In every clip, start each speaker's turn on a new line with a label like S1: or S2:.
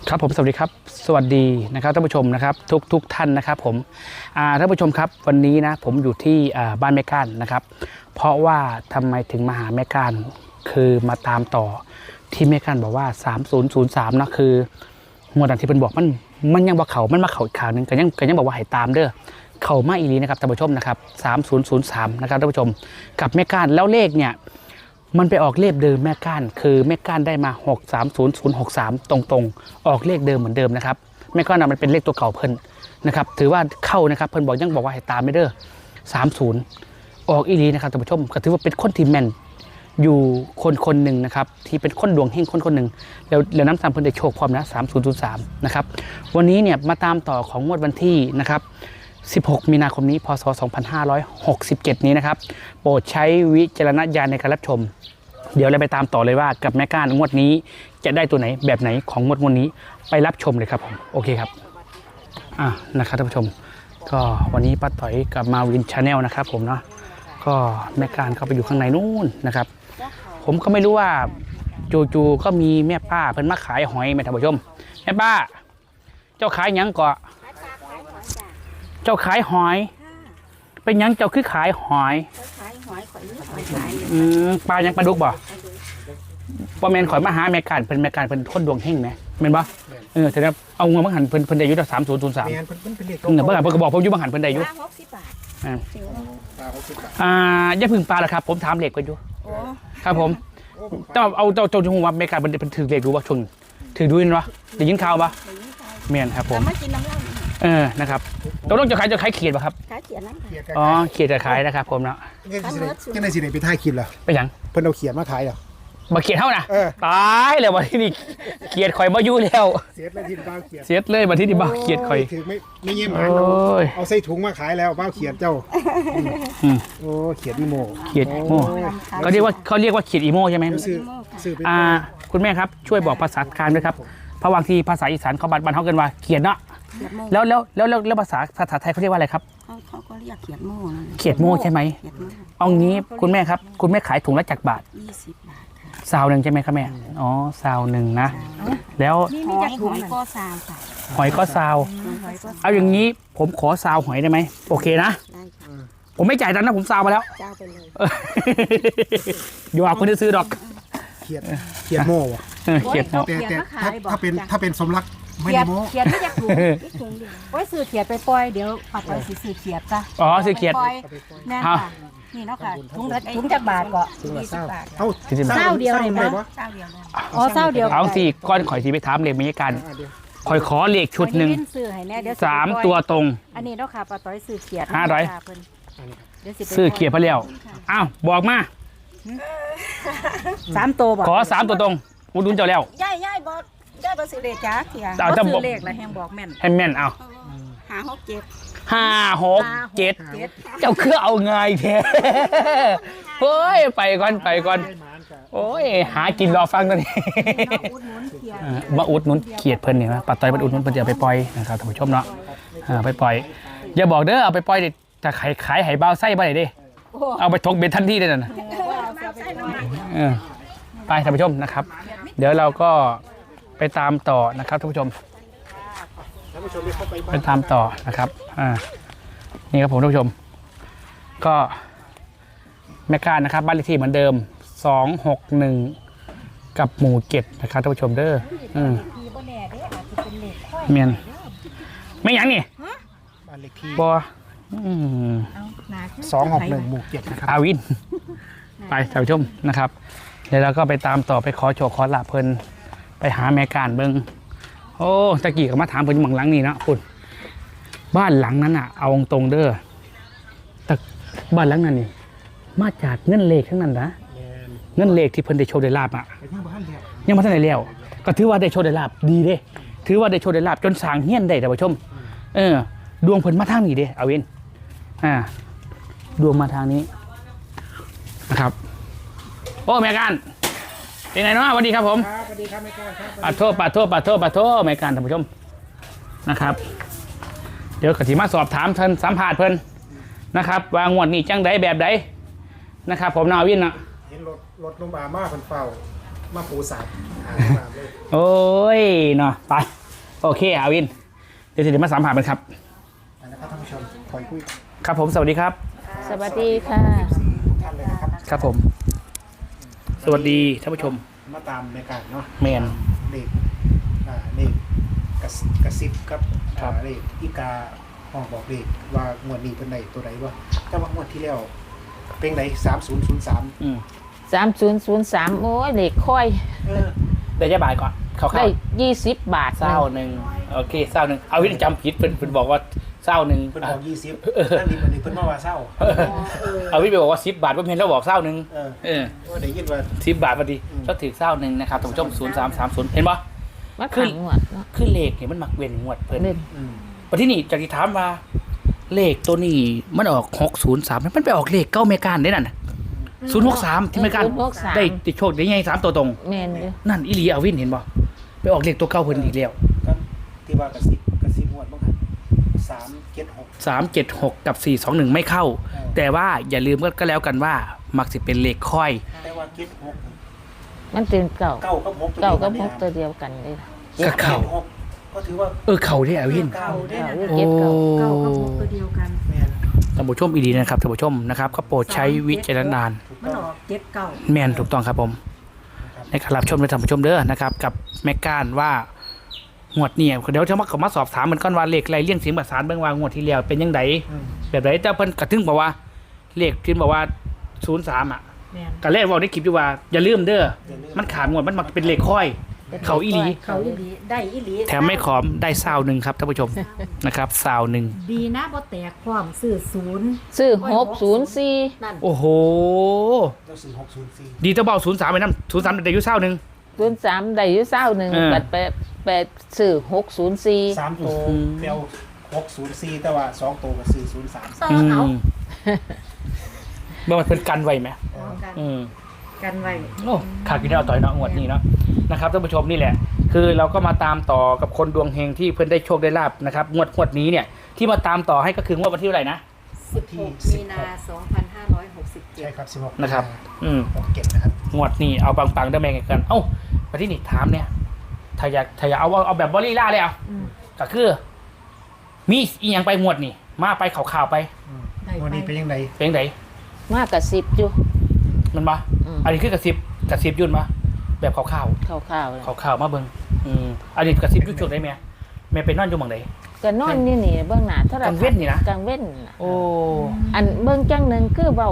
S1: ครับผมสวัสดีครับสวัสดีนะครับท่านผู้ชมนะครับทุกท่านนะครับผมท่านผู้ชมครับวันนี้นะผมอยู่ที่บ้านแม่ก้านนะครับเพราะว่าทำไมถึงมาหาแม่ก้านคือมาตามต่อที่แม่ก้านบอกว่า3003นะคือหัวดันที่เป็นบอกมันยังบอกเขามันมาเขาอีกข่าวนึงก็ยังบอกว่าให้ตามเด้อเขามาอีลีนะครับท่านผู้ชมนะครับ3003นะครับท่านผู้ชมกับแม่ก้านแล้วเลขเนี่ยมันไปออกเลขเดิมแม่ก้านคือแม่ก้านได้มา630063ตรงๆออกเลขเดิมเหมือนเดิมนะครับแม่ก้านมันเป็นเลขตัวเก่าเพิ่นนะครับถือว่าเข้านะครับเพิ่นบอกยังบอกว่าให้ตามไม่เด้อ30ออกอีลีนะครับท่านผู้ชมก็ถือว่าเป็นคนที่แม่นอยู่คนหนึ่งนะครับที่เป็นคนดวงเฮงคนหนึ่งแล้วน้ำซ้ำเพิ่นได้โชคพร้อมนะ3003นะครับวันนี้เนี่ยมาตามต่อของงวดวันที่นะครับ16 มีนาคมนี้พศ 2567 นี้นะครับโปรดใช้วิจารณญาณในการรับชมเดี๋ยวเราไปตามต่อเลยว่ากับแม่ก้านงวดนี้จะได้ตัวไหนแบบไหนของงวดนี้ไปรับชมเลยครับผมโอเคครับนะครับท่านผู้ชมก็วันนี้ป้าต่อยกับมาวินชาแนลนะครับผมเนาะก็แม่ก้านเข้าไปอยู่ข้างในนู่นนะครับผมก็ไม่รู้ว่าจู่ๆก็มีแม่ป้าเพิ่นมาขายหอยแม่ท่านผู้ชมแม่ป้าเจ้าขายยังก่อเจ้าขายหอยเป็นยังเจ้าคือขายหอยปลายังปลาดุกบ่แมนข่อยมาหาแม่การเป็นแม่การเป็นคนดวงเฮงไหมแมนบ่แต่เนี่ยเอาเงินบังหันเพิ่นได้อยู่3003เมื่อไหร่เพิ่นก็บอกผมอยู่บังหันเพิ่นได้อยู่อย่าพึ่งปลาละครับผมถามเหล็กกันอยู่ครับผมต้องเอาเจ้าจงว่าแม่การเป็นถือเหล็กดูว่าชนถือดูนี่วะได้ยินข่าวปะแมนครับผมนะครับต้องจะขายเขียดป่ะครับขายเขียดนั่นค่ะอ๋อเขียดจะขายนะครับผมเนาะ
S2: ก็ในสิไหนไปท่ายคิดเหรอ
S1: ไปยัง
S2: เพิ่นเอาเขียดมาขายเหรอ
S1: มาเขียดเท่านะตายเลยวันที่นี่เขียดข่อยมาอยู่แล้ว
S2: เสียเลยที่บ้าเขียด
S1: เสียเลยวันที่นี่บ้าเขียดข่อย
S2: ถือไม่เยี่ยมหางเอาใส่ถุงมาขายแล้วบ้าเขียดเจ้าเขียดอีโม
S1: เขาเรียกว่าเขียดอีโมใช่ไหมคุณแม่ครับช่วยบอกภาษากลางด้วยครับเพราะบางทีภาษาอีสานเขาบันเขาเกินว่าเขียดเนาะแล้วภาษาไทยเขาเรียกว่าอะไรครับ
S3: เขาก็เรียกเขียดโม่
S1: เขียดโม่ใช่ไหมเอางี้คุณแม่ครับคุณแม่ขายถุงละจักบาท
S3: 20 บาท
S1: ซาวหนึ่งใช่ไหมครับแม่อ๋อซาวหนึ่งนะแล้ว
S3: หอยก็ซาวค่ะ
S1: หอยก็ซาวเอาอย่างนี้ผมขอซาวหอยได้ไหมโอเคนะผมไม่จ่ายตังค์นะผมซาวมาแล้ว
S3: เจ้าไปเลย
S1: อยู่เอาคนที่ซื้อดอก
S2: เขียดโม่
S1: เขียดโม่
S2: แต่ถ้าเป็นสมรักไม่ได้โม่
S3: เขียดไม่อยากถูกไว้ซื้อเขียดไปปล่อยเดี๋ยวปัดไปซื้อเขียดจ้ะ
S1: ซื้อเขียด
S3: แน่ค่ะนี่เนาะค่ะถุงจักบาทก็20 บาทเศร้าเดียวเลยมั้ยเศร้าเดียว
S1: เอาสิก้อนข่อยสิไปถามเลขบรรยากาศข่อยขอเลขชุดหนึ่ง3 ตัวตรง
S3: อันนี้เนาะค่ะป้าต้อยซื้อเขียด
S1: 500ซื้อเขียดพะเลี้ยวอ้าวบอกมา
S3: 3 ตัวบอก
S1: ขอ3 ตัวตรงอุดหนุนเจ้าแล้ว
S3: ย่ายบอกย่ายบอกซื้อเลขจ้าเขียดซื้อเลขแล้วแฮงบอกแม่น
S1: ให้แม่นเอา5 6 7เจ้าคือเอาไงแท้เฮ้ยไปก่อนโอ้ยหากินรอฟังตอนนี้มาอุดหนุนเขียดเพิ่นเนี่ยนะปัดต่อยมันอุดหนุนเพิ่นจะเอาไปปล่อยนะครับท่านผู้ชมเนาะไปปล่อยอย่าบอกเด้อเอาไปปล่อยดิจะขายไหบ้าไส้บ่ได้ดิเอาไปทกเบ็ดทันทีได้น่ะไปท่านผู้ชมนะครับเดี๋ยวเราก็ไปตามต่อนะครับท่านผู้ชมไปตามต่อนะครับนี่ครับผมท่านผู้ชมก็แม่ก้านนะครับบ้านเลขที่เหมือนเดิม261กับหมู่7นะครับท่านผู้ชมเด้อเมียนไม่ยังนี่
S2: บ้านเลขที่
S1: บ่
S2: 261หมู่7นะครับ
S1: อาวินไปท่านผู้ชมนะครับเดี๋ยวเราก็ไปตามต่อไปขอโชคขอลาเพลินไปหาแม่ก้านเบิ้งโอ้ตะกี้ก็มาถามเพิ่นหลังนี้นะคุณบ้านหลังนั้นอ่ะเอาตรงเด้อแต่บ้านหลังนั้นนี่มาจากเงินเลขทั้งนั้นนะเงินเลขที่เพิ่นได้โชว์ได้ลาบอ่ะยังมาทันได้แล้วก็ถือว่าได้โชว์ได้ลาบดีเด้ถือว่าได้โชว์ได้ลาบจนสร้างเฮี้ยนได้ท่านผู้ชมดวงเพิ่นมาทางนี้เด้อาวินดวงมาทางนี้นะครับโอ้แม่ก้านเป็นไงเนาะสวัสดีครับผม
S2: สวัสดีครับแม่ก้านครับ
S1: ปัดโทษแม่ก้านท่านผู้ชมนะครับเดี๋ยวกติมาสอบถามเพิ่นสัมภาษณ์เพิ่นนะครับวางงวดนี้จังใดแบบใดนะครับผมนาวินนะ
S2: เห็นรถลงมาเพิ่นเฝ้ามาปูสาดหาตามเลย
S1: โอ้ยเนาะไปโอเคอาวินเดี๋ยวมาสัมผัสกันครับ
S2: นะครับท่านผู้ชมคอยคุย
S1: ครับผมสวัสดีครับ
S3: สวัสดีค่ะ
S2: ทุกท่านเลยนะครับ
S1: ครับผม สวัสดีท่านผู้ชม
S2: มาตามในการเนาะ
S1: แมน
S2: เด็กเด็กกระซิบครับ
S1: ครับ
S2: เด็กอีกาห้องบอกเด็กว่างวดนี้เป็นไหนตัวไหนวะแต่ว่างวดที่แล้วเป็นไหน3003
S1: อืม
S3: 3003โอ้ยเลขค่อย
S1: เดี๋ยวจะบ่ายก่อนเขา
S3: ได้
S1: เข้า
S3: 20 บาท
S1: เศร้าหนึ่งโอเคเศร้าหนึ่งเอาวินจำผิดเพิ่นบอกว่าเศร้าหนึ่ง
S2: เพิ่นบอก20นั่นนี่มันนี่เพิ่นมาว่าเศร้า
S1: เอาวินไปบอกว่า10 บาทว่าเพนแล้วบอกเศร้าหนึ่ง
S2: เออว่าได้ยินว่า
S1: 10 บาทพอดีก็ถือเศร้าหนึ่งนะครับท่านผู้ชม0330เห็นปะ
S3: มาขังงวดเนาะ
S1: คือเลขเนี่ยมันมักเว้นงวดเพิ่น
S3: เล่น
S1: ประที่นี่จากที่ถามว่าเลขตัวนี้มันออก603มันไปออกเลขเก้าเมกานได้นั่น063ที่เมกานได้ติดโชคได้ไง3ตัวตรง
S3: แม่นอยู่
S1: นั่นอีหลีเอาวินเห็นบ่ไปออกเลขตัวเก้าเพิ่นอีกแล้ว
S2: ก็ที่ว่ากระซิบงวดบ้างครับ376
S1: 376กับ421ไม่เข้า แต่ว่าอย่าลืมก็แล้วกันว่ามักสิเป็นเลขค่อย
S2: แต่ว่า76
S3: มันเป็นเก่า
S2: เก้ากับ6
S3: เก่ากับพกตัวเดียวกันเลยล่ะ
S1: ก็เข้า
S2: ก็ถือว่า
S1: เข้าที่เอาวิน
S2: เก้าได้นะ
S3: เก็บเก่า
S2: แม่น
S1: ท่านผู้ชมอีดีนะครับท่านผู้ชมนะครับก็โปรดใช้วิจารณญาณ
S2: ถูก
S4: มัน
S2: ต้อง
S4: ออกเจ็ดเก่า
S1: แม่นถูกต้องครับผม
S2: นะครับ
S1: ในการรับชมในท่านผู้ชมเด้อนะครับกับแม่ก้านว่างวดเนี่ยเดี๋ยวจะมาสอบถามเหมือนกันว่าเลขไรเลี่ยงเสียงประสานเบื้องว่างวดที่แล้วเป็นยังไง
S2: อืม
S1: แบบไหนแต่เพิ่นกระทึงบอกว่าเลขที่บอกว่า03อ่ะ
S4: แม่น
S1: ก็แรกบอกได้คลิปอยู่ว่าอย่าลืมเด้อ
S2: อย่าลื
S1: มันขาดงวดมันมักเป็นเลขค่อย เขาอีหลี
S4: เขาอีหลีได้อีหลี
S1: แถมไม่ขอมได้ซาวหนึ่งครับท่านผู้ชม นะครับซาวหนึ่ง
S4: ดีนะบ่แตกความซื้อศูนย์
S3: ซื้อ604
S4: นั่น
S1: โอ้โห
S2: เราซื้อ604
S1: ดีเจ้าเบา03ไปน้ำ03ได้อยู่ซาวหนึ่ง
S3: 03ได้อยู่21บัดไปซื้อ604
S2: 3ตัวเปลว604แต่ว่า2ตัวก็ซื้อ03
S4: ต่อเอา
S1: เมื่อมันเป็นกันไว้ไหม
S4: เอากัน
S1: อืม
S4: กันไว้
S1: โอ้ขาดกินได้เอาต่อยเนาะงวดนี้เนาะนะครับท่านผู้ชมนี่แหละ คือเราก็มาตามต่อกับคนดวงเฮงที่เพิ่นได้โชคได้ลาบนะครับงวดนี้เนี่ยที่มาตามต่อให้ก็คืองวดวันที่เท่าไหร่นะ
S4: 16 มีนา 2567
S2: ใช่ครับ16
S1: นะครับ
S2: 67นะครับ
S1: งวดนี้เอาปังๆได้แม่งกันเอ้ามาที่นี่ถามเนี่ยถ้าอยากเอาแบบบอลลี่ล่าเลยเอา
S4: อืม
S1: ก็คือ มีอีหยังไปงวดนี่มาไปข่าวๆไป
S4: ได้
S2: วันนี้เป็นยังไง
S1: เป็นไง
S3: มากกว่า10อยู่
S1: มันมา
S3: อืม
S1: อันนี้คือกระซิบยุ่นมาแบบข่าว
S3: คร่าวๆเลย
S1: ๆข่าวๆมาเบิ่งอันนี้กระซิบยุ่นช่วงได้ไหมแม่ไปนอนอยู่หม่องใด
S3: ก็นอนนี่เบื้องหน้าโทรทัศน์
S1: กลางเว้นนี่นะ
S3: กลางเว้นน่ะ
S1: โอ้
S3: อันเบื้องจังหนึงคือเว้า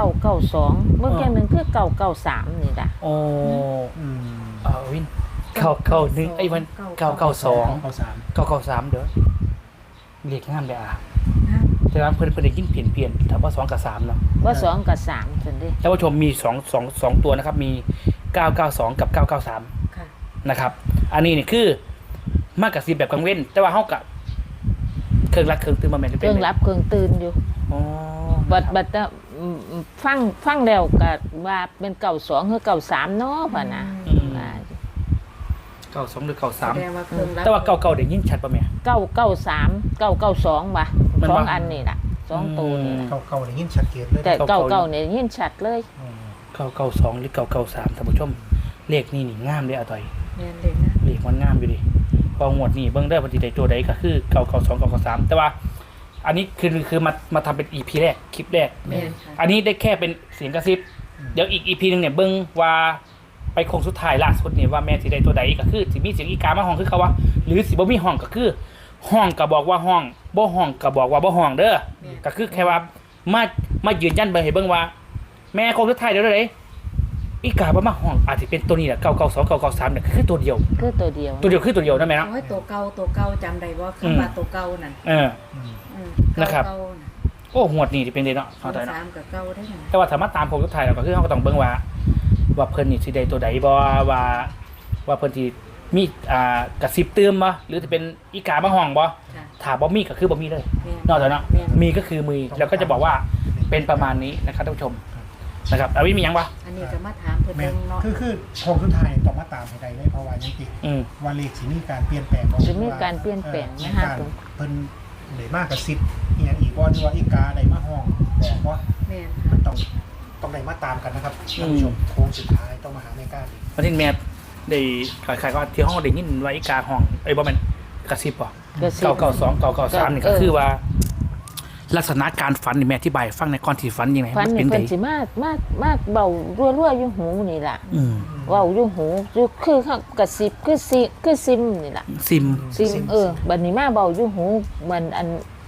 S3: 992เบื้องจังหนึงคือ993นี่ล่ะ
S1: โอ้
S2: อืม
S1: วินเข้าหนึ่งไอ้วัน992
S2: 93
S1: 993เด้อเรียกงามเลยอ่ะแต่ว่าเพิ่นได้ยินเปลี่ยนถ้าว่า2กับ3เนาะ
S3: ว่า2กับ3ซั่นเด้
S1: ท่านผู้ชมมี2ตัวนะครับมี 992 กับ 993
S4: ค่ะ
S1: นะครับ อันนี้นี่คือมากกับ10แบบกลางเว้น แต่ว่าเฮากับเครื่องรักเครื่องตื่นมาแม่น
S3: เครื่องรับเครื่องตื่นอยู่
S1: อ๋อ
S3: บัดฟังแล้วก็ว่าเป็น92หรือ93เนาะพ่ะนะว่า
S1: 92หรือ
S4: แสดงว่าเครื่องรับ
S1: 93แต่ว่า99ได้ยินชัดป่ะแม่
S3: 993 992ว่ะ
S1: มัน
S3: สอง
S1: ว่า
S3: อันนี่ล่ะสองตัวนี่ล่ะ
S2: เก่าๆได้ยินชัดเจนเลย
S3: แต่99เนี่ยยินชัดเลย
S1: 992หรือ993ท่านผู้ชมเลขนี่งามเด้อต่อย
S4: แม่นเลยนะ
S1: เลขมันงามอยู่ดิพอหมวดนี่เบิ่งได้อวันที่ใดตัวใดก็คือ992 993แต่ว่า อันนี้คือมาทำเป็น EP แรกคลิปแรก
S4: แม่นค่ะ
S1: อันนี้ได้แค่เป็นเสียงกระซิบ เดี๋ยวอีก EP นึงเนี่ยเบิ่งว่าไปโค้งสุดท้ายล่าสุดเนี่ยว่าแม่สิได้ตัวใดก็คือสิมีเสียงอีกามาห้องคือเขาว่าหรือสิบ่มีห้องก็คือห้องก็บอกว่าห้องบ่ห้องก็บอกว่าบ่ห้องเด้อก็คือแค่ว่ามายืนยันเบิ่งให้เบิ่งว่า แม่โค้งสุดท้ายเดี๋ยวเด้อีกาบ่มาห้องอาจสิเป็นตัวนี้แหละ992 993เนี่ยคือตัวเดียว
S3: คือตัวเดียว
S1: ตัวเดียวคือตัวเดียวนะแม่เนาะ
S4: เอาให้ตัวเก่าจำได้บ่คำว่าตัวเก่านั่น
S1: เออ
S4: อืม
S1: นะครับ
S4: เก่าๆน่ะ
S1: โอ้หวดนี่สิเป็นเด้เนาะเอาต่อยเนาะ
S4: 3กับเก่าได้นั่น
S1: แต่ว่าถ้ามาตามโค้งสุดท้ายเราก็คือเราก็ต้องเบิ่งว่าเพิ่นนี่สิได้ตัวใดบ่ว่าเพิ่นสิมีกระซิบเติมบ่หรือจะเป็นอีกามาห้องบ่
S4: ค่ะ
S1: ถ้าบ่มีก็คือบ่มีเลย
S4: แม่น
S1: นอกจากเนาะ
S4: แม่น
S1: มีก็คือมีแล้วก็จะบอกว่าเป็นประมาณนี้นะครับท่านผู้ชมนะครับอาวิมีหยังวะ
S4: อันนี้ก็มาถามเพิ่น
S2: แม่
S4: เบิ่งเนาะ
S2: คือโครงสุดท้ายต้องมาตามให้ได้เลยเพราะว่ายังติด
S1: อืม
S2: ว่าเลขสิมีการเปลี่ยนแปลงบ่
S3: จะมีการเปลี่ยนแปลง
S2: มี
S3: นะคะ
S2: การเพิ่นได้มากกับ10อีหยังอีกบ่หรือว่าอีกาได้มาห้องบอกว่า
S4: แม่น
S2: มั
S4: ค่ะ
S2: นต้องได้มาตามกันนะครับท่านผู้ชมโค้งสุดท้ายต้องมาหาในการอีก
S1: วันที่แม่ได้ขายก็ที่ห้องได้ยินว่าอีกาห้องไอ้บ่แม่นกระซิบป่ะ
S5: ก็สิ
S1: 992 993นี่ก็คือว่า ลักษณะการฝันนี่แม่อธิบายฟังในก่อนที่ฝันยังไง
S5: ฝัน
S1: เป็
S5: นี่
S1: นไง
S5: เพิ่นสิมาเบารั่วๆอยู่หูนี่ล่ะ
S1: อืม
S5: เว้าอยู่หูอยู่คือเขากระซิบคือซิมนี่ล่ะ
S1: ซิม
S5: ซิมบัดนี้มาเบาอยู่หูมันอัน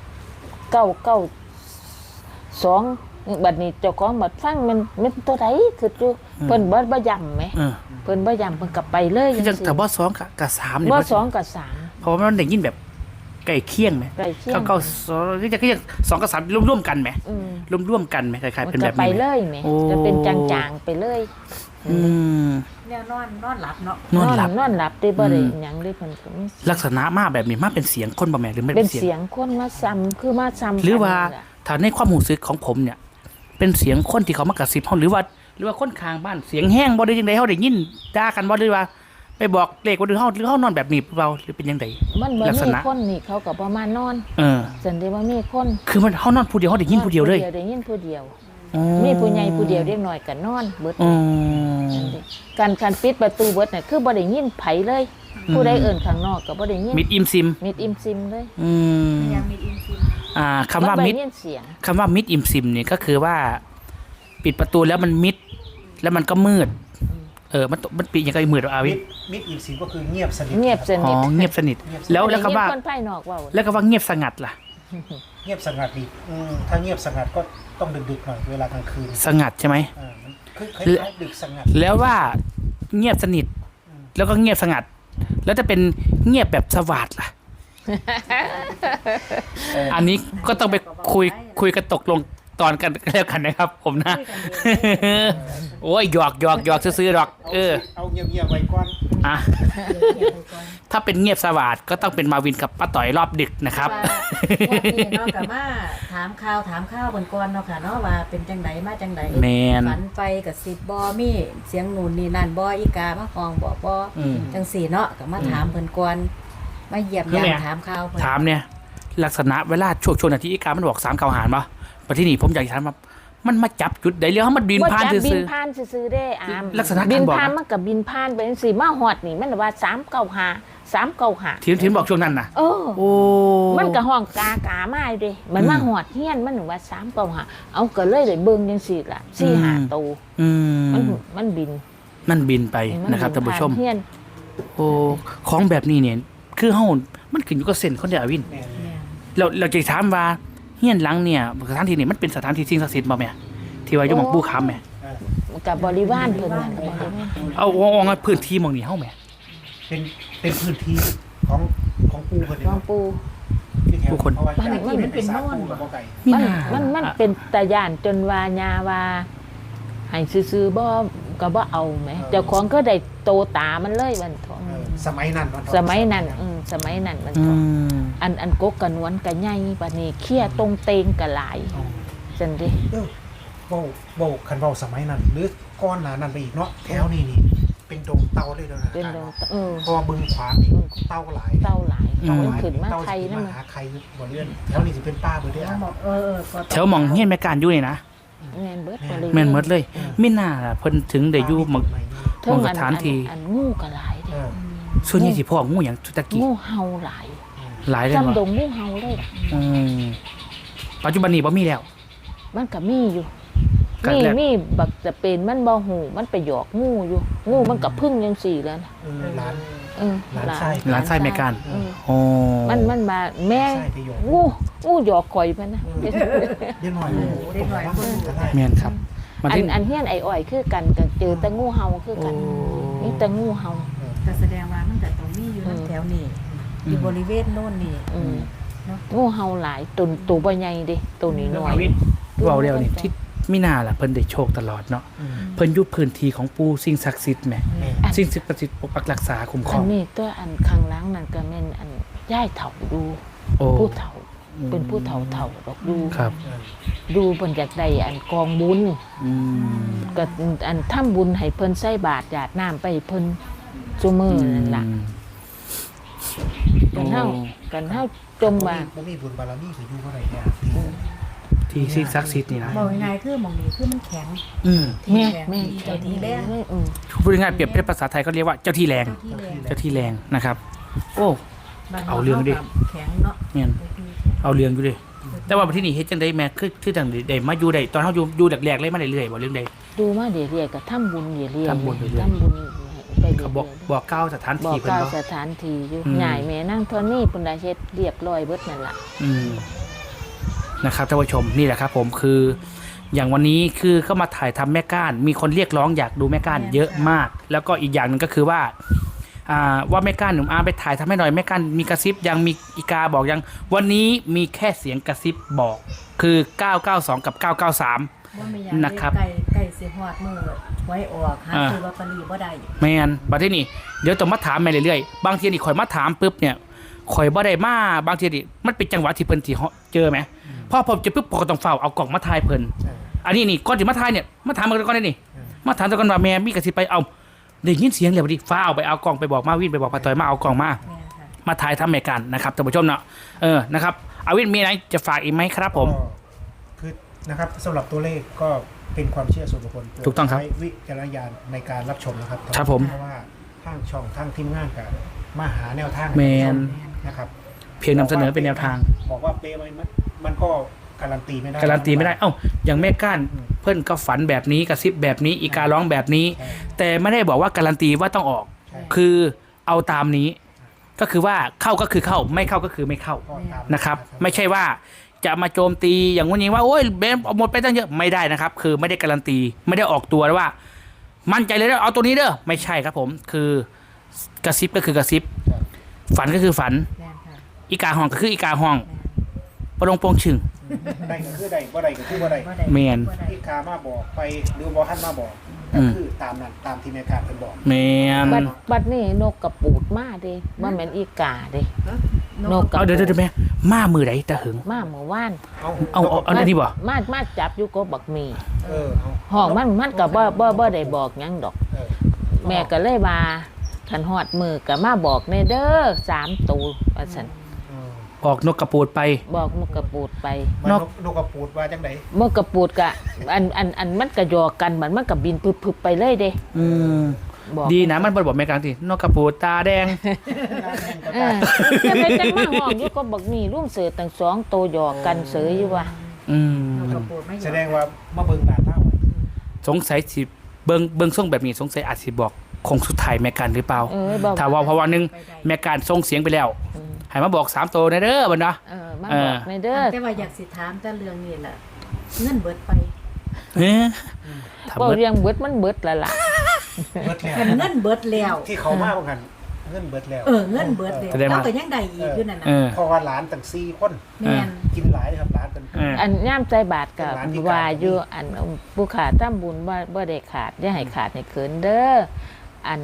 S5: 992บัดนี้เจ้าของบัดฟังมันตัวใดคืออยู่เพิ่นบ่ย้ำแหม
S1: เออ
S5: เพิ่นบ่ย้ำเพิ่นก็ไปเลย
S1: คือจังแต่บ่2กับ3นี่
S5: บ่
S1: มัน
S5: 2กับ
S1: เพราะว่ามันได้ยินแบบใกล้เคียงไหม
S5: ใกล้เคียง
S1: 992คือจะ2กับ3ร่วมๆกันไหม
S5: 3
S1: ร่วมๆกันไหมคล้ายๆเป็นแบบ
S5: ไป
S1: นี้ไหม
S5: เลยแหม
S1: โอ้
S5: จะเป็นจางๆไปเลย
S1: อืม
S4: แนวนอนหลับเนาะ
S1: นอนหลับ
S5: นอนหลับได้บ่ได้หยังได้เพิ่นก็มี
S1: ลักษณะมาแบบนี้มาเป็นเสียงคนบ่แม่หรือมัน
S5: เป็
S1: เป็น น
S5: เสี
S1: เสียง
S5: ยงคนมาซ้ำคือมาซ้ำ
S1: หรือว่า
S5: กันนี่ล่ะ
S1: ถ้าในความรู้สึกของผมเนี่ย เป็นเสียงคนที่เขามากระซิบเฮาหรือว่าคนข้างบ้านเสียงแห้งบ่ได้จังได๋เฮาได้ยินด่ากันบ่หรือว่า ไปบอกเลขว่าหรือเฮานอนแบบนี้เราหรือเป็นจังได
S5: มันบ่
S1: ลักษ
S5: มี
S1: ณะ
S5: คนนี่เขาก็ประมาณนอน
S1: เออ
S5: สันได้ว่ามีคน
S1: คือมันเฮานอนผู้เดียวเฮาได้ยินผู้เดียวเลย
S5: ได้ยินผู้เดียว
S1: อ๋อ
S5: มีผู้ใหญ่ผู้เดียวเด็กน้อยก็นอนเบิด
S1: อ๋อ
S5: การปิดประตูเบิดน่ะคือบ่ได้ยินไผเลย ผู้ใดเอิ้นข้างนอกก็บ่ได้ยิน
S1: มิดอิมซิม
S5: มิดอิมซิมเลย
S1: อืม
S4: ยังมีอินฟิน
S1: คำว่า
S5: บ่
S1: มิด
S5: ได้ยินเสียง
S1: คำว่ามิดอิมซิมเนี่ยก็คือว่า ปิดประตูแล้วมันมิด แล้วมันก็มืด มันปิดยังไงมืดอาวิ
S2: มิดอิมซิมก็คือเงียบสนิท
S5: เงียบส
S1: อ๋
S5: นิ
S1: อ
S5: ท
S1: เงียบสนิท แล้วคำว่า
S5: คนภายนอกเว้า
S1: แล้วก็ว่าเงียบสงัดล่ะ
S2: เงียบสงัดดีถ้าเงียบสงัดก็ต้องดึกๆหน่อยเวลากลางคืน
S1: สงัดใช่ไหม
S2: มันคือคล้ายๆดึกสงัด
S1: แล้วว่าเงียบสนิท แล้วก็เงียบสงัด แล้วจะเป็นเงียบแบบสวัสดล่ะ อันนี้ก็ต้องไปคุยกันตกลงตอนกันแล้วกันนะครับ ผมนะ โอ้ยหยอกซื้อๆหรอก
S2: เอาเงียบๆไว้ก่อน
S1: อ่ะ ถ้าเป็นเงียบสวัสดก็ต้องเป็นมาวินกับป้าต่อยรอบดึกนะครับ
S4: ว่าพี่เนาะกับมาถามข้าวบนก่อนเนาะค่ะเนาะว่าเป็นจังไดมาจังได
S1: แมน
S4: ฝันไปกับสิบบมีเสียงหนูนนี่นั่นบ่อีกามาห้องบอกบ่
S1: อืม
S4: จังสี่เนาะก็มาถามเพิ่นก่อนมาเยี่ยม
S1: คือไง
S4: ยามถามข่าวเพิ่น
S1: ถามเนี่ย ลักษณะเวลาช่วงนาทีอีกามันบอก3 9 หารป่ะประที่นี่ผมอยากจะถามว่ามันมาจับจุดใดแล้วมันบินผ่าน
S5: บ่จับบิ
S1: ซื่
S5: น
S1: อ
S5: ผ่านซื่อๆเด้อาม
S1: ลักษณะการ
S5: บิน
S1: บอก
S5: ผ่าน
S1: นะ
S5: มันก็บินผ่านไปจังซี่มาฮอดนี่มันว่า395
S1: ๆทีนบอกช่วงนั้นนะ
S5: เออ
S1: โอ้
S5: มันก็ห้องกามาอยู่เด้มันมาหอดเฮียนมันว่า395เอาก็เลยได้เบิ่งจังซี่ล่ะ4-5ตัว
S1: อืม
S5: มันบิน
S1: มันบินไป
S5: มั
S1: นะครับท่านผู้ชม
S5: ผ่เฮียน
S1: โอ้ของแบบนี้เนี่ย คือเฮามันขึ้นอยู่กับเส้นคนเดียววิน
S2: แม่น
S1: เราจะถามว่าเฮียนหลังเนี่ยสถานที่นี่มันเป็นสถานที่สิ่งศักดิ์สิทธิ์บ่แม่ที่ว่าอยู่หม่องปู่ค้ำแม่
S5: กับบริวารเพิ่นน่ะบริวาร
S1: เอาพื้นที่หม่องนี้เฮาแม่
S2: เป็นพื้นที่ของปูคนเดี
S5: หล
S2: ยว
S5: วงปู่
S2: ที่แถว
S1: ผู้คน
S2: เพราะว่ามันเป็นโน่นกับบ่ไก่
S1: มี
S5: มัน
S1: หน้า
S5: มันเป็นตาย่านจนว่าญาว่าให้ซื้อๆบ่ก็บ่เอาแหมเจ้าของก็ได้โตตามันเลยวันทอง
S2: สมัยนั้นเนาะ
S5: สมัยนั้นสมัยนั้นมัน
S1: อื
S5: ทอง
S1: ม
S5: อันกกกะนวลกะใหญ่บัดนี้เขี้ยตรงเตงกะหลายจังดิ
S2: เว้าคันเว้าสมัยนั้น หรือก้อนหนานั้นไปอีกเนาะแถวนี้นี่เป็นดงเต่าเลยเด้อนะ
S5: เป็นดง
S2: พอบึงขวานี่เต่าหลาย
S5: เต้าหลายเขาขึ้นมา
S2: เต่า
S5: ไทย
S2: สิ
S5: นั่น
S2: มา
S5: มัน
S2: หาใครบ่เลื่อนแถวนี้สิเป็นป้าเบิดเด้อ
S4: เขาบอกก็
S1: แถวหม่องเฮียนแม่การอยู่นี่นะ
S5: แม่นเบิดบริวาร
S1: แม่นหมดเลยมีหน้าล่ะเพิ่นถึงได้อยู่หม่อง
S5: เทิง
S1: สถานที่
S5: อันงูกะหลายเด้
S1: ส่วนใหญ่สิพ่องูหยังตะกี้
S5: งูเห่าหลาย
S1: หลายเลย
S5: จำด
S1: บ่
S5: งงูเห่าเลยล่ะ
S1: อืมปัจจุบันนี้บ่มีแล้ว
S5: มันก็มีอยู่
S1: ก็แล้ว
S5: มีบักจะเป็นมันบ่หูมันไปหยอกงูอยู่ งูมันก็พึ่งจังซี่แล้วนะ
S2: หลาน
S5: เออ
S2: หลานไส้
S1: หลานไส้แม่การ
S5: เออ
S1: โอ้
S5: มันมาแม่
S2: ไส้ไปหยอก
S5: งูหยอกข่อยมันนะ
S2: เดี๋ยวหน่อยเดี๋ยวหน่อยก็ได้
S1: แม่นครับมัน
S5: อั
S1: ที่
S5: นเฮียนไอ้อ้อยคือกันก็เจอแต่งูเห่าคือกัน
S1: โอ้
S5: นี่แต่งูเห่า
S4: ก็แสดงว่ามันก็ต้องมีอยู่แถวนี้อยู่บริเวณโน่นนี่
S5: อืมงูเห่าหลายตัวบ่ใหญ่เด้ตัวนี้น้อย
S1: เว้าแล้วนี่ที่มีหน้าล่ะเพิ่นได้โชคตลอดเนาะเพิ่นอยู่พื้นที่ของปู่สิ่งศักดิ์สิทธิ์แหมสิ่งศักดิ์สิทธิ์ปกปักรักษาคุ้มคร
S5: อั
S1: อน ง
S5: นี้ตัวอันข้างหล่างนั่นก็แม่นอันย่ายเฒ่าดู
S1: โอ้
S5: ผู้เฒ่าเป็นผู้เฒ่าดอกดู
S1: ครับ
S5: ดูเพิ่นอยากได้อันกองบุญ
S1: อืม
S5: ก็อันทำบุญให้เพิ่นใส่บาตรหยาดน้ำไปให้เพิ่นซุมื้อนั่นล่ะกันเฮาจมว่า
S2: บ่มีบุญบารมีคืออยู่เท่าไหร่เนี่ย
S1: ที่สิ่งศักดิ์สิทธิ์นี่นะ
S4: บอกยังไงคือหมองนี้คือมันแข็ง
S1: อืม
S4: ที่
S5: แม่
S4: แข็ง
S5: แม่
S4: ที่เจ้าที่แรง
S1: พูดง่ายๆเปรียบเป็นภาษาไทยเขาเรียกว่าเจ้าที่แรง
S4: เจ้าที่แรง
S1: เจ้าที่แรงนะครับ โอ้
S4: บ้น
S1: เอาเรื่องดิ
S4: แข็งเนาะ
S1: เนี่ยเอาเรื่องอยู่ดิแต่ว่าที่นี่เฮ็ดจังได๋แม่คือจังได๋มาอยู่ได้ตอนเฮาอยู่แรกๆเลยมาเรื่อยๆบ่เรื่องใด
S5: ดูมาเรื่อยๆก็ทำบุญเรื่อยๆ
S1: ทำบุญเรื่อยๆ
S5: ทำบุญไปเรื่
S1: เขา
S5: อย
S1: บอกกล่าวสถาน
S5: ๆบอ
S1: ที่
S5: ก
S1: เพิ่น
S5: กล่าว
S1: บ่
S5: สถานที่อยู่
S1: อืม
S5: ใหญ่แม่นั่งเทนนี่ปุ่นได้เฮ็ดเรียบร้อยเบิดนั่นล่ะ
S1: อืมนะครับท่านผู้ชมนี่แหละครับผมคืออย่างวันนี้คือเข้ามาถ่ายทำแม่ก้าน มีคนเรียกร้องอยากดูแม่ก้านเยอะมาก แล้วก็อีกอย่างหนึ่งก็คือว่าว่าแม่ก้านหนุ่มอาไปถ่ายทำให้หน่อยแม่ก้านมีกระซิบยังมีอีกาบอกยังวันนี้มีแค่เสียงกระซิบบอกคือ 992 กับ 993
S4: ว่าไม่อยาก
S1: นะครับ
S4: ไก่สิฮอดมือไว้ออกหาซื้อลอตเตอรี่บ่ได้
S1: แมนบัดทีนี้เดี๋ยวต้องมาถามแม่เรื่อยๆบางทีนี่ข่อยมาถามปุ๊บเนี่ยข่อยบ่ได้มาบางทีนี่มันเป็นจังหวะที่เพิ่นสิเจอไหมพอผมเจะปุ๊บผมก็ต้องเฝ้าเอากล่องมาถ่ายเพิ่น
S2: ใช่
S1: อันนี้นี่ก่อนที่มาถ่ายเนี่ยมาถามกันก่อนได้นี่มาถามกันว่าแม่มีกระสิบไปเอาได้ยินเสียงเลยพอดีฟ้าเอาไปเอากล่องไปบอกมาวินไปบอกป้าต้อยมาเอากล่องมา
S4: แม่นค่ะ
S1: มาถ่ายทำรายการนะครับท่านผู้ชมเนาะนะครับอาวินมีอะไรจะฝากอีกไหมครับผม
S2: ก็คือนะครับสำหรับตัวเลขก็เป็นความเชื่อส่วนบุคคล
S1: ถูกต้องครับ
S2: ใช้วิจารณญาณในการรับชมนะครับ
S1: ครับผม
S2: เพราะว่าทางช่องทางทีมงานกับมาหาแนวทาง
S1: แมน
S2: นะครับ
S1: เพียงนำเสนอเป็นแนวทาง
S2: บอกว่าเป๊ะไหมมันก็การันตีไม่ได้
S1: การันตีไม่ได้เอ้าอย่างแม่ก้าน
S2: อืม
S1: เพิ่นก็ฝันแบบนี้กระซิบแบบนี้อีการ้องแบบนี้
S2: ใช่
S1: แต่ไม่ได้บอกว่าการันตีว่าต้องออก
S2: ใช่
S1: คือเอาตามนี้ ก็คือว่าเข้าก็คือเข้าไม่เข้าก็คือไม่เข้า
S2: ก็ตาม
S1: นะครับไม่ใช่ว่าจะมาโจมตีอย่างงู้นอย่างนี้ว่าโอ้ยเบมเอาหมดไปตั้งเยอะไม่ได้นะครับ คือไม่ได้การันตีไม่ได้ออกตัวว่า มั่นใจเลยนะเอาตัวนี้เด้อไม่ใช่ครับผมคือกระซิบก็คือกระซิบ ฝันก็คือฝัน
S4: แม่นค่ะ
S1: อีกาห้องก็คืออีกาห้องปลงโปงชึง
S2: ได้ก็คือได้บ่ได้ก็คือบ่ได้
S4: บ่ได้
S1: แม่น
S4: บ่ได้
S2: ที่กามาบอกไปหรือบ่ท่านมาบอก
S1: อื
S2: ก็
S1: ม
S2: คือตามนั้นตามที่แม่การเพิ่นบอก
S1: แมน
S5: บัดนี้นกกระปูดมาเด้บ่แม่นอีกาเด้นกกระ
S1: เอาเดี๋ยวแม่มามือไหนตะหึง
S5: มาเมื่อวาน
S1: เอาอันนี้บ่
S5: มาจับอยู่ก็บักมี
S2: เออเอา
S5: ห้องมันก็บ่ได้บอกหยังดอก
S2: เออ
S5: แม่ก็เลยว่าคันฮอดมือก็มาบอกแน่เด้อ3ตัวว่าซั่น
S2: เออ
S1: ออกนกกระปูดไป
S5: บอกนกกระปูดไป
S2: มัน
S1: นก
S2: นกกระปูดว่าจังได
S5: นกกระปูดก็อันมันก็หยอกกันมันก็บินพึบๆไปเลยเด้
S1: อืม
S5: บอก
S1: ดีนะมันบ่บอกแม่กลางทีนกกระปูดตาแดง
S5: เออจะไปจังมาห้องอยู่ก็บักมีร่วมเสือตั้ง2ตัวหยอกกันเสืออยู่ว่า
S1: อืม
S4: นกกระปูดไม่ยอม
S2: แสดงว่ามาเบิ่งด่านเล่าไว้
S1: สงสัยสิเบิ่งส่งแบบนี้สงสัยอาจสิบอกคงสุดท้ายแม่การหรือเปล่า
S5: บอก
S1: ถ้าว่าเพราะว่านึง
S4: ไปได้
S1: แม่การส่งเสียงไปแล้วให้มาบอก3ตัวนะเด้อบัดเนาะ
S5: มาบอกในเด้อ
S4: แต่ว่าอยากสิถามแต่เรื่องนี้แหละเงินเบิดไป
S1: เฮ้ยทำ
S5: บอก
S1: เบิด
S5: เรียงเบิดมันเบิดแล้วล่ะ
S2: เบิดแล้ว
S4: กันเงินเบิดแล้ว
S2: ที่เขามาบ่กันเงินเบิดแล้ว
S4: เงินเบิดแล้ว
S1: แสดงว่า
S4: เราก็ยังได้อีกอยู่นั่นน่ะ
S1: เออ
S2: เพราะว่าหลานตั้ง4คน
S4: แม่น
S2: กินหลายครับหลานเป็น
S1: เออ
S5: อันย่ามใจบาทกับ
S2: เป็นร้านพิการ
S5: ว่าอยู่อันผู้ขาดทำบุญบ่ได้ขาดอย่าให้ขาดให้เขินเด้ออัน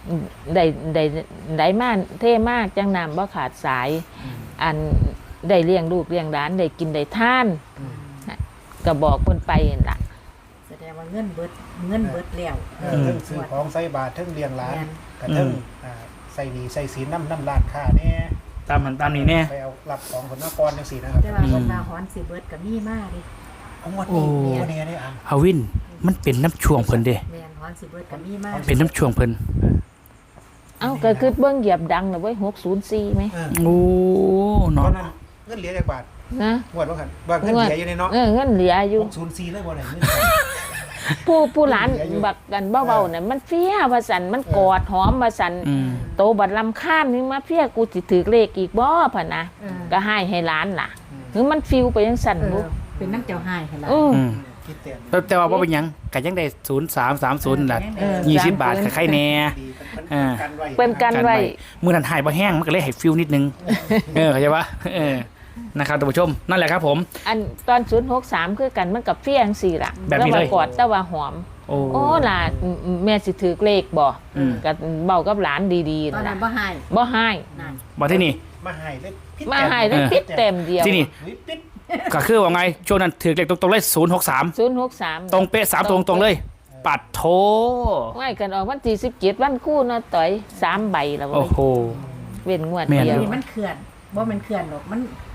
S5: ได้มาเท่มากจังนำบ่ขาดสาย อันได้เลี้ยงลูกเลี้ยงหลานได้กินได้ทานก็บอกเพิ่นไปนั่นล่ะ
S4: แสดงว่าเงินเบิดแล้ว
S2: เทิงซื้อของใส่บาทเทิงเลี้ยงหลาน
S4: แม่น
S2: กับเทิงใส่หนีใส่ศีลน้ำร้านค้าแน่
S1: ตามมันตามนี้แน่
S2: ไปเอารับของคนนครจังซี่นะครับ
S4: แต่ว่าคนมาฮอนสิเบิดก็มีมาดิ
S2: เอาหมดนี่ตัวนี้ได้อ่ะ
S1: ฮาวินมันเป็นน้ำช่วงเพิ่นเด้
S4: แม่นฮอนสิเบิดก็มีมา
S1: เป็นน้ำช่วงเพิ่น
S5: เอ้าก็คือเบิ่งเหยียบดังน่ะเว้ย604มั้ย
S1: โอ้
S2: ตอ
S1: เนาะ
S2: นนั้นเงินเหลือจากบาท
S5: นะ
S2: งวดว่ากันว่าเงินเหลืออยู่ในเนาะ
S5: เงินเหลืออยู่
S2: 604เลยบ่ได้เงิน
S5: ผู้หลานบักกันเบาๆน่ะมันเฟี้ยว่าซั่นมันกอดหอมว่าซั่น
S1: อืม
S5: โตบัดลำข้ามนี่มาเพี้ยกูสิถือเลขอีกบ่พะนะ
S4: เออ
S5: ก็ให้ร้านล่ะหรือมันฟิวไปยังสั่นบุ
S4: เป็นน้ำเจ้าหายให้ล่ะ
S5: อือ
S1: อืม
S2: คิดเต็ม
S1: แต่ว่าบ่เป็นหยังก็ยังได้0330ล่ะ
S5: เออ
S1: 20 บาทก็ใครแน่
S2: ดี
S1: อ่า
S2: กันไว้
S5: เป็นกันไว้
S1: มื้อนั้นหายบ่แห้งมันก็เลยให้ฟิลนิดนึงเข้าใจปะนะครับท่านผู้ชมนั่นแหละครับผม
S5: อันตอน063คือกันมันกับเฟี้ยจังซี่ล่ะ
S1: แบบนี้เลย
S5: ว่ากอดแต่ว่าหอม
S1: โอ้
S5: โอ้ล่ะแม่สิถือเลขบ่
S1: อืม
S5: ก็เว้ากับหลานดี
S4: ตอน
S5: ๆ
S4: นั้
S5: ล่ะ
S4: นบ่หาย
S5: บ่ให้
S4: นั่น
S1: มาที่นี่
S2: มาให้เลยพิษ
S5: มาให้ได้ปิดเต็มเดียว
S1: ที่นี่
S2: ปิด
S1: ก็คือว่าไงช่วงนั้นถือเลขตรงๆเลย063
S5: 063
S1: ตรงเป๊ะ3ตรงๆเลย ปัดโถ
S5: ไว้กันออกวันที่17วันคู่เนาะต่อย3ใบแล้ว
S1: โอ้
S5: เว้ย
S1: โห
S5: เว้นงวด
S1: แม่น
S5: เดียว
S4: นี่มันเขื่อนบ่แม่นเขื่อนหรอกมัน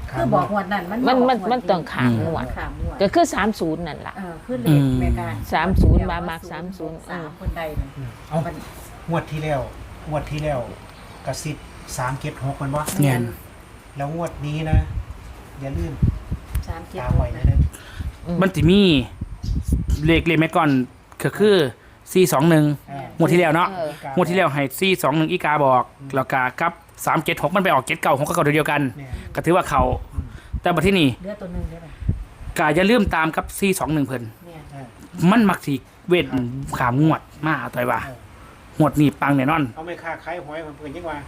S4: คือบอกงวดนั้นมัน
S5: มันต้องขามงวด
S4: ขามงวด
S5: ก็คือ30นั่นล่ะ
S4: คือเลขแม่การ
S5: 30มามัก30
S4: 3คนใดนั่น
S2: เอางวดที่แล้วกระซิบ376มันวะ
S1: เนี่ย
S2: แล้วงวดนี้นะ อย่าลืม
S4: 3
S2: ตามไว้นะเนี่ย
S1: มันจะมีเลขแม่ก่อนก็คือ421งวดที่แล้วเนาะ
S5: เออ
S1: งวดที่แล้วให้421อีกาบอกแล้วก็กับ376มันไปออก79 6ก็เก่าเดียวกัน
S2: เนี่ย
S1: ก็ถือว่าเขาแต่บัดที่นี่
S4: เหลือตัวหนึงได้ป่ะ
S1: ก็อย่าลืมตามกับ421เพิ่น
S4: เนี่ย
S2: เออ
S1: มันมักสิเวทขามงวดมาต่อยว่า
S2: เออ
S1: งวดนี้ปังแน่นอน
S2: เอาไม่ค่าขายหวยมันเพิ่นยังว่า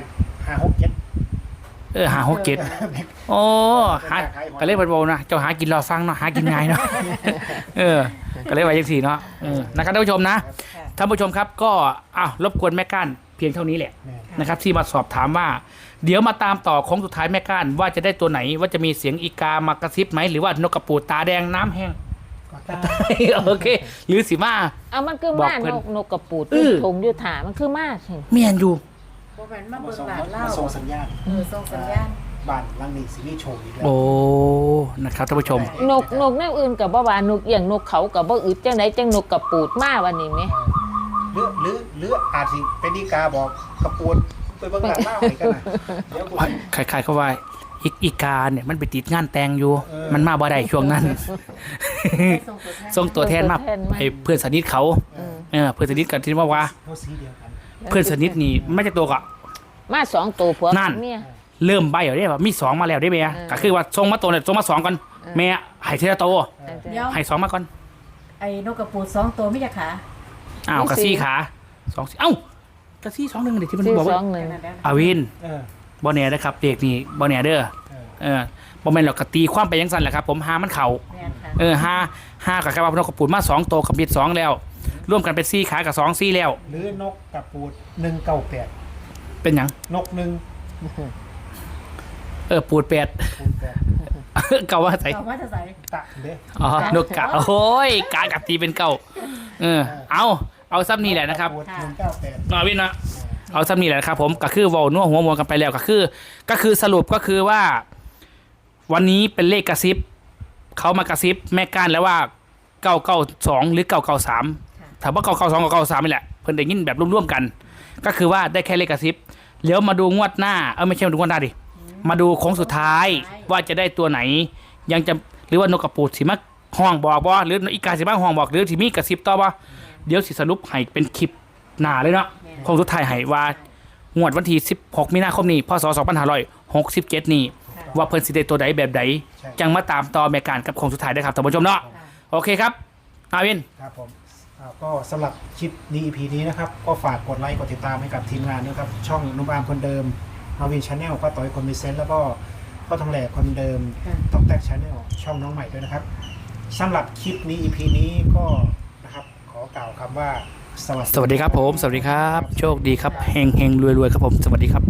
S2: 5
S1: หา6 7โอ้หาก็เลยเพิ่นบอกนะเจ้าหากินรอฟังเนาะหากินง่ายเนาะ ก็เลยว่าจังซี่เนาะนะครับท่านผู้ชมนะท่านผู้ชมครับก็รบกวนแม่ก้านเพียงเท่านี้แหละ
S2: เนี่ย
S1: นะครับที่มาสอบถามว่า เดี๋ยวมาตามต่อของสุดท้ายแม่ก้านว่าจะได้ตัวไหนว่าจะมีเสียงอีกามากระซิบไหมหรือว่านกกระปูดตาแดงน้ำแห้ง
S2: ก็ตาม
S1: โอเคหรือสิมา
S5: เอามันคือ
S1: บอก
S5: มา
S1: เพิ่น
S5: นกกระปูด
S1: เออ
S5: ทงอยู่ถามันคือมาสิ
S1: เมียนอยู่
S4: บ่แม่นมาเบิ่ง
S2: ส่ง
S4: หลานเล่า
S2: ส่งสัญญาณ
S4: ส่งสัญญาณ
S2: บ้านหลังนี้สิมีโชว์อีกแล้ว
S1: โอ้นะครับท่านผู้ชม
S5: นกแนวอื่นกับบ่ว่านกอย่างนกเขากับบ่อึดจังไดจังนกกระปูดมาวันนี้แหม
S2: หรืออาจสิเป็นดีกาบอกกระปวนไปเบิ่งหลานเล่าให้กันนะเดี๋ยวกู
S1: ใครๆเขาว่าอีกาเนี่ยมันไปติดงานแต่งอยู่
S2: เออ
S1: มันมาบ่ได้ช่วงนั้น ส่งตัวแทนมา
S5: ส่งตัวแทนมา
S1: ให้เพื่อนสนิทเขาเพื่อนสนิทกันที่ว่า
S2: เขาสีเดียวกัน
S1: เพื่อนสนิทนี่ไม่ใช่ตัวก็
S5: มา2ตัวผัว
S1: นั่น
S5: เมีย
S1: เริ่มใบแล้วได้ว่ามี2มาแล้วได้ไหมก็คือว่าส่งมาตัวเนี่ยส่งมา2ก่อนแม่ให้เทละตัว
S4: เดี๋ยว
S1: ให้2มาก่อน
S4: ไอ้นกกระปูด2ตัวมีจักขา
S1: กระซี่ขา2กระซี่2 1เดี๋ยวที่มัน
S5: ซื้อ
S1: บอกว่า
S5: 21
S1: อาวิน
S2: เออ
S1: บ่แน่นะครับเด็กนี่บ่แน่เด้อ
S2: เออ
S1: บ่แม่นหรอกกตีความไปยังสั่นแหละครับผมหามันเข่า
S4: แม่นค่ะ
S1: ห้ากับกระบะพนกกระปูดมา2ตัวกับบิด2แล้วร่วมกันเป็น4ขากับ2 4แล้ว
S2: หรือนกกระปูด198
S1: เป็นหยัง
S2: นกหนึ่ง
S1: ปูด8
S2: ปูดแปด
S1: เก่าว่าใส่
S4: เอาว่าจะใส่
S2: ตะเด้
S1: อ๋อนกกะโอ้ยกากับตีเป็นเก่าเอาซ้ำนี่แหละนะครับ
S2: กปูด198
S1: วินนะเอาซ้ำนี่แหละครับผมก็คือเว้านัวหัวมวลกันไปแล้วก็คือสรุปก็คือว่า วันนี้เป็นเลขกระซิบเขามากระซิบแม่ก้านแล้วว่า992หรือ993ถามว่า992กับ993นี่แหละเพิ่นได้ยินแบบร่วมๆกัน ก็คือว่าได้แค่เลขกระซิบแล้วมาดูงวดหน้าไม่ใช่มาดูงวดหน้าดิมาดูโค้งสุดท้ายว่าจะได้ตัวไหน ยังจะหรือว่านกกระปูดสิมาห้องบอกบ่หรืออีกาสิมาห้องบอกหรือสิมีกระซิบต่อบ่เดี๋ยวสิสรุปให้เป็นคลิปหน้าเลยเนาะโค้งสุดท้ายให้ว่างวดวันที่16มีนาคมนี้พศ2567นี้ว่าเพิ่นสิได้ตัวใดแบบใดจังมาตามต่อแม่การกับโค้งสุดท้ายได้ครับท่านผู้ชมเนาะโอเคครับอาวิน
S2: ครับผมก็สำหรับคลิปนี้ EP นี้นะครับ ก็ฝากกดไลค์กดติดตามให้กับทีมงานด้วยครับ ช่องนุ่มอามคนเดิมมาวินชาแนลป้าต่อยคนมีเซนต์แล้วก็พ่อทองแหลกคนเดิมต้องแตกชาแนลช่องน้องใหม่ด้วยนะครับสำหรับคลิปนี้ EP นี้ก็นะครับขอกล่าวคำว่าสวัสดี
S1: สวัสดีครับผม สวัสดีครับ โชคดีครับเฮงเฮงรวยรวยครับผม สวัสดีครับ